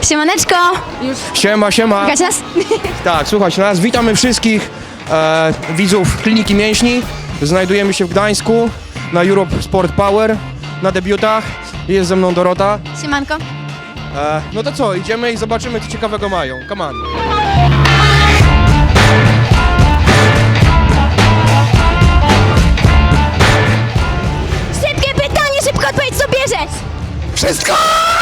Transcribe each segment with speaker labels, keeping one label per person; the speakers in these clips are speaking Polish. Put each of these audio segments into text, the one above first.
Speaker 1: Siemaneczko! Już
Speaker 2: Siema, siema.
Speaker 1: słychać nas?
Speaker 2: Tak, słuchajcie nas. Witamy wszystkich widzów Kliniki Mięśni. Znajdujemy się w Gdańsku na Europe Sport Power na debiutach. Jest ze mną Dorota.
Speaker 1: Siemanko.
Speaker 2: No to co, idziemy i zobaczymy, co ciekawego mają. Come on.
Speaker 1: Szybkie pytanie, szybko odpowiedź, co bierzesz?
Speaker 2: Wszystko!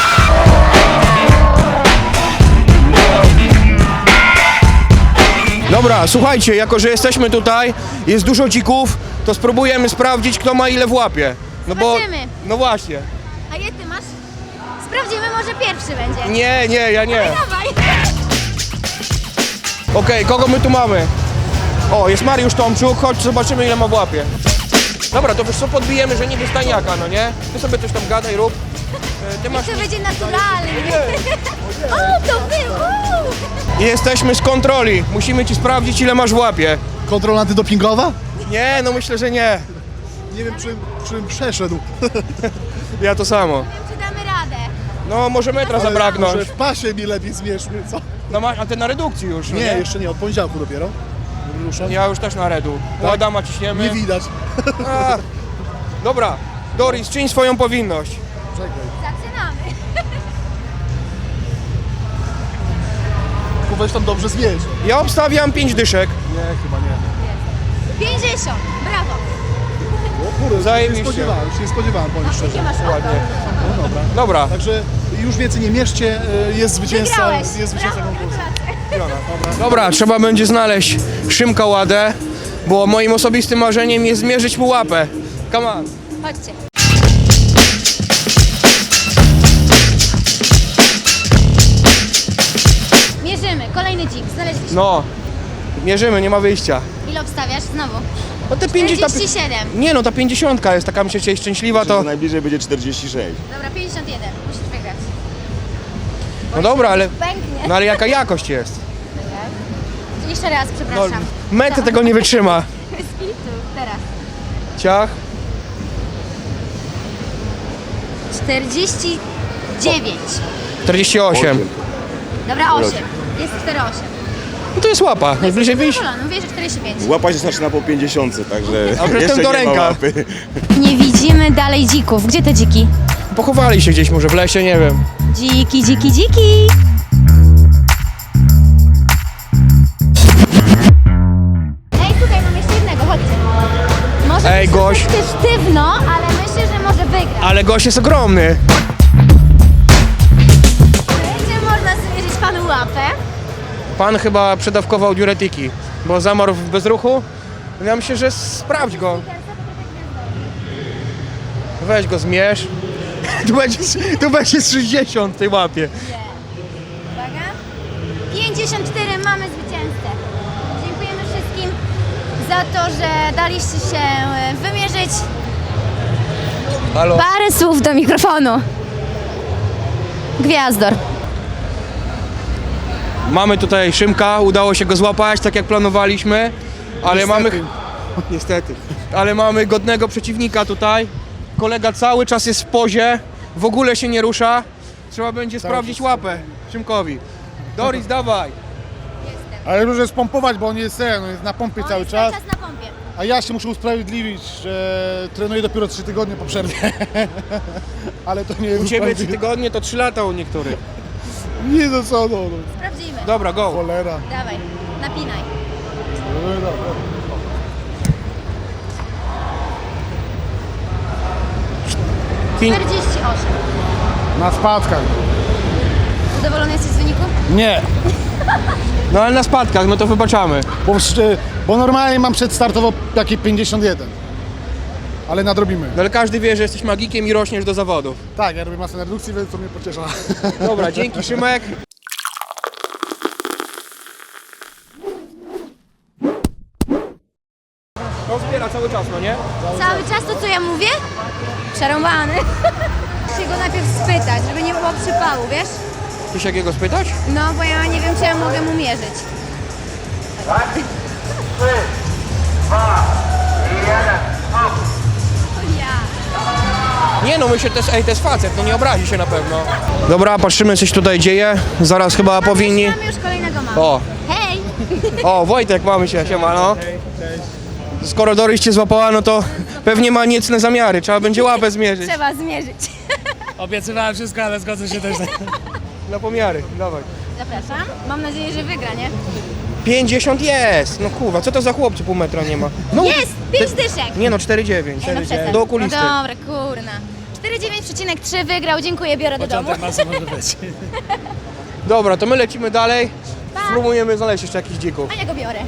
Speaker 2: Dobra, słuchajcie, jako że jesteśmy tutaj, jest dużo dzików, to spróbujemy sprawdzić, kto ma ile w łapie. No
Speaker 1: Zobaczymy.
Speaker 2: No właśnie.
Speaker 1: A je ty masz? Sprawdzimy, może pierwszy będzie.
Speaker 2: Nie, ja nie.
Speaker 1: Dawaj.
Speaker 2: Okej, kogo my tu mamy? O, jest Mariusz Tomczuk, chodź zobaczymy, ile ma w łapie. Dobra, to wiesz co, podbijemy, że niby stajniaka, no nie? Ty sobie coś tam gadaj, rób. Ty masz...
Speaker 1: To będzie naturalnie. O, to wy!
Speaker 2: Jesteśmy z kontroli, musimy ci sprawdzić, ile masz w łapie.
Speaker 3: Kontrola antydopingowa?
Speaker 2: Nie, no myślę, że nie.
Speaker 3: Nie wiem, czym przeszedł.
Speaker 2: Ja to samo.
Speaker 1: Czy damy radę?
Speaker 2: No, może metra zabraknąć.
Speaker 3: Może w pasie mi lepiej zmierzmy, co?
Speaker 2: No masz, a ty na redukcji już, no
Speaker 3: Nie, jeszcze nie, od poniedziałku dopiero. Ruszam.
Speaker 2: Ja już też na redu.
Speaker 3: Tak?
Speaker 2: Adama ciśniemy.
Speaker 3: Nie widać.
Speaker 2: A, dobra, Doris, czyń swoją powinność.
Speaker 3: Czekaj.
Speaker 1: Zaczynamy.
Speaker 3: Tylko weź tam dobrze zmierz.
Speaker 2: Ja obstawiam 5 dyszek.
Speaker 3: Nie, chyba nie.
Speaker 1: 50. Brawo.
Speaker 3: O kurde,
Speaker 2: Zajebiście.
Speaker 3: Już nie spodziewałem, powiem
Speaker 1: Jakie
Speaker 3: szczerze.
Speaker 1: masz
Speaker 2: Ładnie.
Speaker 3: No dobra.
Speaker 2: Dobra,
Speaker 3: Także już więcej nie mierzcie, jest zwycięzca,
Speaker 1: Wygrałeś.
Speaker 3: jest zwycięzca
Speaker 1: Brawo,
Speaker 3: konkursu.
Speaker 1: gratulacje.
Speaker 2: dobra, trzeba będzie znaleźć Szymka Ładę, bo moim osobistym marzeniem jest zmierzyć mu łapę. Come on.
Speaker 1: Chodźcie. Mierzymy. Kolejny dzik. Znaleźliśmy.
Speaker 2: No, mierzymy, nie ma wyjścia.
Speaker 1: Ile obstawiasz? Znowu.
Speaker 2: No te 50...
Speaker 1: 47.
Speaker 2: Nie no, ta 50 jest taka, mi się dzisiaj szczęśliwa, to...
Speaker 4: Najbliżej będzie 46.
Speaker 1: Dobra, 51. Musisz wygrać.
Speaker 2: No dobra, ale...
Speaker 1: Pęknie.
Speaker 2: No ale jaka jakość jest?
Speaker 1: Jeszcze raz,
Speaker 2: No,
Speaker 1: przepraszam.
Speaker 2: metr tego nie wytrzyma.
Speaker 1: Bez kitu. Teraz.
Speaker 2: Ciach.
Speaker 1: 49.
Speaker 2: 48.
Speaker 1: Dobra, 8. Jest 48.
Speaker 2: No to jest łapa, najbliżej wyjść.
Speaker 1: Mówię, że 45.
Speaker 4: Łapa się zaczyna po 50, także
Speaker 2: A przedtem
Speaker 4: jeszcze
Speaker 2: do
Speaker 4: nie ma
Speaker 2: ręka.
Speaker 4: łapy.
Speaker 1: Nie widzimy dalej dzików. Gdzie te dziki?
Speaker 2: Pochowali się gdzieś może w lesie, nie wiem.
Speaker 1: Dziki, dziki, dziki. Ej, tutaj mam jeszcze jednego, chodźcie. Może
Speaker 2: Ej,
Speaker 1: być
Speaker 2: gość.
Speaker 1: troszeczkę sztywno, ale myślę, że może wygrać.
Speaker 2: Ale gość jest ogromny.
Speaker 1: Będzie można zmierzyć panu łapę.
Speaker 2: Pan chyba przedawkował diuretyki, bo zamarł w bezruchu. Ja myślę, że sprawdź go. Weź go, zmierz. Tu będzie z 60 w tej łapie.
Speaker 1: Uwaga. 54, mamy zwycięzcę. Dziękujemy wszystkim za to, że daliście się wymierzyć.
Speaker 2: Halo?
Speaker 1: Parę słów do mikrofonu. Gwiazdor.
Speaker 2: Mamy tutaj Szymka, udało się go złapać, tak jak planowaliśmy. Ale mamy... Niestety. Ale mamy godnego przeciwnika tutaj. Kolega cały czas jest w pozie, w ogóle się nie rusza. Trzeba będzie sprawdzić łapę Szymkowi. Doris, dawaj.
Speaker 3: Ale muszę spompować, bo on jest na pompie cały czas.
Speaker 1: na pompie.
Speaker 3: A ja się muszę usprawiedliwić, że trenuję dopiero 3 tygodnie po przerwie. Ale to nie
Speaker 2: U
Speaker 3: jest
Speaker 2: ciebie 3 tygodnie to 3 lata u niektórych.
Speaker 3: Nie no co, no.
Speaker 1: Sprawdzimy.
Speaker 2: Dobra, go.
Speaker 3: Cholera.
Speaker 1: Dawaj, napinaj.
Speaker 3: No, dobra.
Speaker 2: Pięć-
Speaker 1: 48.
Speaker 3: Na spadkach.
Speaker 1: Zadowolony jesteś z wyniku?
Speaker 3: Nie,
Speaker 2: No ale na spadkach, no to wybaczamy.
Speaker 3: bo normalnie mam przedstartowo takie 51. Ale nadrobimy.
Speaker 2: No ale każdy wie, że jesteś magikiem i rośniesz do zawodów.
Speaker 3: Tak, ja robię masę redukcji, więc to mnie pociesza.
Speaker 2: Dobra, dzięki Szymek. No zbiera cały czas, no nie?
Speaker 1: Cały czas to, co ja mówię? Przerąbany. Muszę go najpierw spytać, żeby nie było przypału, wiesz?
Speaker 2: Chcesz jakiego spytać?
Speaker 1: No, bo ja nie wiem, czy ja mogę mu mierzyć.
Speaker 5: 3, 2, 1,
Speaker 1: Ja.
Speaker 2: Nie no, myślę, to jest facet, no nie obrazi się na pewno. Dobra, patrzymy, coś tutaj dzieje. Zaraz chyba powinni...
Speaker 1: Mamy już kolejnego mama.
Speaker 2: O,
Speaker 1: Hej!
Speaker 2: o, Wojtek, mamy się, siema, no. Skoro Doris cię złapała, no to pewnie ma niecne zamiary, trzeba będzie łapę zmierzyć.
Speaker 1: Trzeba zmierzyć.
Speaker 6: Obiecywałem wszystko, ale zgodzę się też.
Speaker 2: Na pomiary, dawaj.
Speaker 1: Zapraszam. Mam nadzieję, że wygra, nie?
Speaker 2: 50 jest! No kurwa, co to za chłopcy, pół metra nie ma? No,
Speaker 1: Jest! 5 dyszek!
Speaker 2: nie no, 4,9.
Speaker 1: Ej, no przestań.
Speaker 2: Do okulisty.
Speaker 1: No dobra, kurna. 4,9,3 wygrał, dziękuję, biorę do domu.
Speaker 6: Początek masy może być.
Speaker 2: Dobra, to my lecimy dalej. Spróbujemy znaleźć jeszcze jakichś dzików.
Speaker 1: A ja go biorę.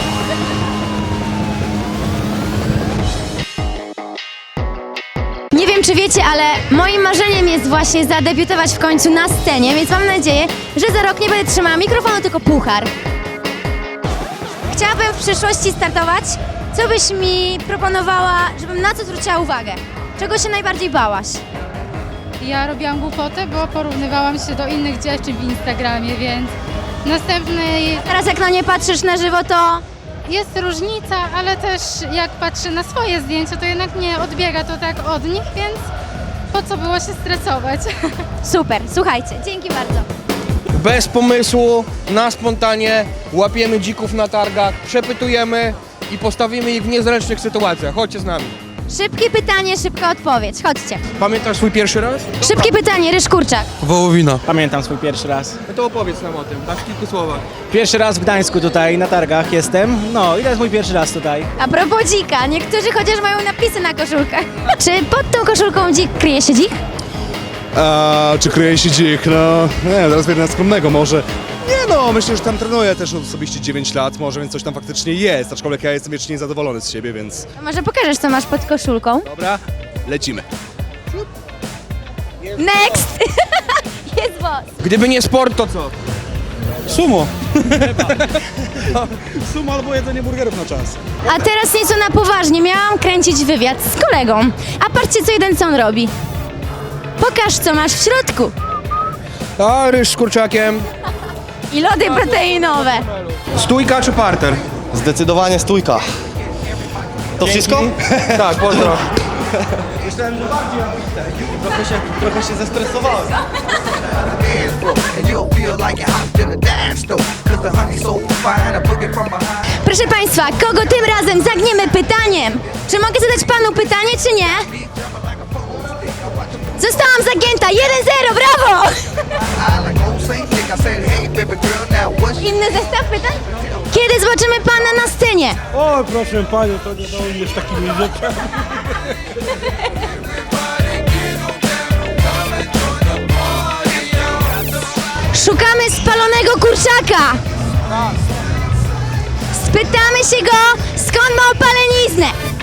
Speaker 1: Nie wiem, czy wiecie, ale moim marzeniem jest właśnie zadebiutować w końcu na scenie, więc mam nadzieję, że za rok nie będę trzymała mikrofonu, tylko puchar. Chciałabym w przyszłości startować. Co byś mi proponowała, żebym na co zwróciła uwagę? Czego się najbardziej bałaś?
Speaker 7: Ja robiłam głupotę, bo porównywałam się do innych dziewczyn w Instagramie, więc następny
Speaker 1: Teraz jak na nie patrzysz na żywo, to
Speaker 7: jest różnica, ale też jak patrzę na swoje zdjęcia, to jednak nie odbiega to tak od nich, więc po co było się stresować?
Speaker 1: super. Słuchajcie, dzięki bardzo.
Speaker 2: Bez pomysłu, na spontanie, łapiemy dzików na targach, przepytujemy i postawimy ich w niezręcznych sytuacjach. Chodźcie z nami.
Speaker 1: Szybkie pytanie, szybka odpowiedź. Chodźcie.
Speaker 2: Pamiętasz swój pierwszy raz?
Speaker 1: Szybkie pytanie, Ryż Kurczak.
Speaker 8: Wołowina.
Speaker 6: Pamiętam swój pierwszy raz.
Speaker 2: No to opowiedz nam o tym, tak w kilku słowach.
Speaker 6: Pierwszy raz w Gdańsku tutaj, na targach jestem. No i to jest mój pierwszy raz tutaj.
Speaker 1: A propos dzika, niektórzy chociaż mają napisy na koszulkach. Czy pod tą koszulką dzik kryje się dzik?
Speaker 3: A czy kryje się dzik? No, nie, zaraz będę na skromnego może. Nie no, myślę, że tam trenuję też osobiście 9 lat może, więc coś tam faktycznie jest, aczkolwiek ja jestem wiecznie niezadowolony z siebie, więc
Speaker 1: To może pokażesz, co masz pod koszulką?
Speaker 3: dobra, lecimy.
Speaker 1: Next! Jest boss.
Speaker 2: Gdyby nie sport, to co?
Speaker 3: Sumo. Sumo albo jedzenie burgerów na czas.
Speaker 1: A teraz nieco na poważnie. Miałam kręcić wywiad z kolegą. A patrzcie, co jeden co on robi. Pokaż, co masz w środku.
Speaker 2: A, ryż z kurczakiem.
Speaker 1: I lody proteinowe.
Speaker 2: Stójka czy parter?
Speaker 8: Zdecydowanie stójka. To wszystko?
Speaker 2: Tak, pozdro.
Speaker 8: Trochę się zestresowałem.
Speaker 9: And you'll feel like you're out in a dance store. Cause the honey's so fine, I book it from behind.
Speaker 1: Proszę Państwa, kogo tym razem zagniemy pytaniem? Czy mogę zadać Panu pytanie, czy nie? Zostałam zagięta! 1-0, brawo!
Speaker 9: I like old Saint Nick. I said, hey baby girl, now what's
Speaker 1: Inny zestaw pytań? Kiedy zobaczymy Pana na scenie?
Speaker 10: O, proszę Panią, to nie dojdziesz takimi rzeczami.
Speaker 1: Szukamy spalonego kurczaka! Spytamy się go, skąd ma opaleniznę!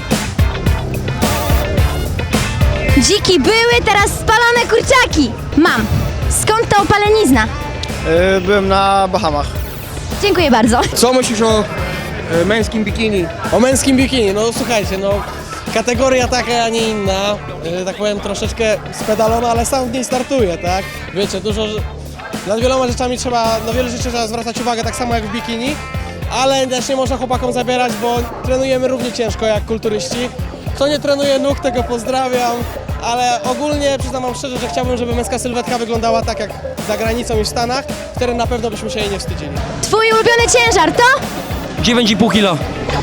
Speaker 1: Dziki były, teraz spalone kurczaki! Mam. Skąd ta opalenizna?
Speaker 8: Byłem na Bahamach.
Speaker 1: Dziękuję bardzo.
Speaker 2: Co myślisz o męskim bikini?
Speaker 11: O męskim bikini, no słuchajcie, no kategoria taka, a nie inna, tak powiem troszeczkę spedalona, ale sam w niej startuję, tak? Wiecie, nad wieloma rzeczami trzeba, na wiele rzeczy trzeba zwracać uwagę, tak samo jak w bikini, ale też nie można chłopakom zabierać, bo trenujemy równie ciężko jak kulturyści. Kto nie trenuje nóg, tego pozdrawiam, ale ogólnie przyznam wam szczerze, że chciałbym, żeby męska sylwetka wyglądała tak jak za granicą i w Stanach, wtedy na pewno byśmy się jej nie wstydzili.
Speaker 1: Twój ulubiony ciężar to?
Speaker 8: 9,5 kilo.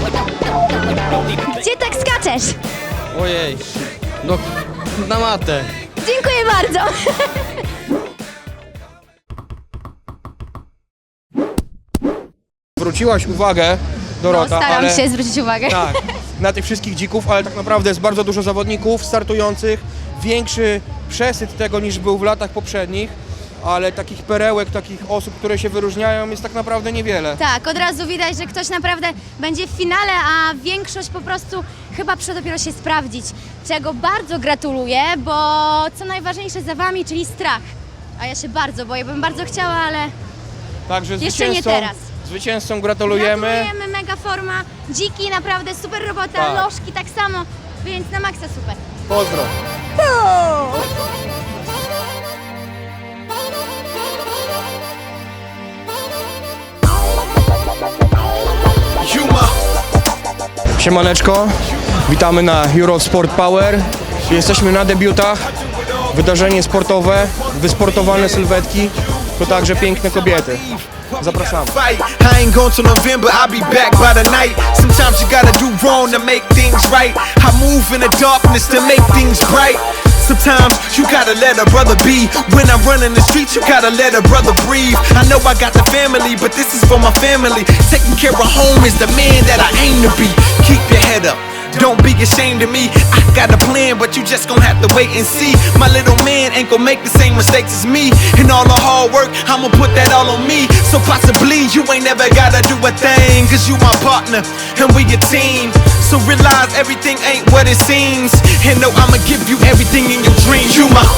Speaker 1: Gdzie tak skaczesz?
Speaker 8: Ojej. No, na matę.
Speaker 1: Dziękuję bardzo.
Speaker 2: Zwróciłaś uwagę, Dorota,
Speaker 1: Staram
Speaker 2: ale...
Speaker 1: się zwrócić uwagę.
Speaker 2: Tak, na tych wszystkich dzików, ale tak naprawdę jest bardzo dużo zawodników startujących, większy przesyt tego niż był w latach poprzednich, ale takich perełek, takich osób, które się wyróżniają jest tak naprawdę niewiele.
Speaker 1: Tak, od razu widać, że ktoś naprawdę będzie w finale, a większość po prostu chyba przyszła dopiero się sprawdzić, czego bardzo gratuluję, bo co najważniejsze za Wami, czyli strach. A ja się bardzo boję, bym bardzo chciała, ale
Speaker 2: Także
Speaker 1: jeszcze nie teraz.
Speaker 2: Zwycięzcom gratulujemy.
Speaker 1: Gratulujemy, mega forma, dziki, naprawdę super robota,
Speaker 2: Tak.
Speaker 1: lożki tak samo, więc na maksa super.
Speaker 2: Pozdro. Siemaneczko, witamy na Eurosport Power. Jesteśmy na debiutach, wydarzenie sportowe, wysportowane sylwetki, to także piękne kobiety. Zapraszamy.
Speaker 9: I ain't going till November, I'll be back by the night. Sometimes you gotta do wrong to make things right. I move in the darkness to make things bright. Sometimes you gotta let a brother be. When I'm running the streets, you gotta let a brother breathe. I know I got the family, but this is for my family. Taking care of home is the man that I aim to be. Keep your head up. Don't be ashamed of me. I got a plan, but you just gon' have to wait and see. My little man ain't gon' make the same mistakes as me. And all the hard work, I'ma put that all on me. So possibly you ain't never gotta do a thing. Cause you my partner, and we a team. So realize everything ain't what it seems. And know I'ma give you everything in your dreams. You my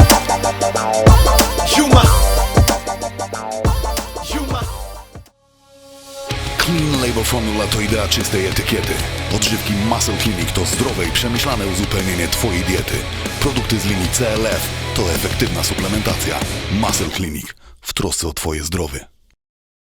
Speaker 12: Clean Label Formula to idea czystej etykiety. Odżywki Muscle Clinic to zdrowe i przemyślane uzupełnienie Twojej diety. Produkty z linii CLF to efektywna suplementacja. Muscle Clinic w trosce o Twoje zdrowie.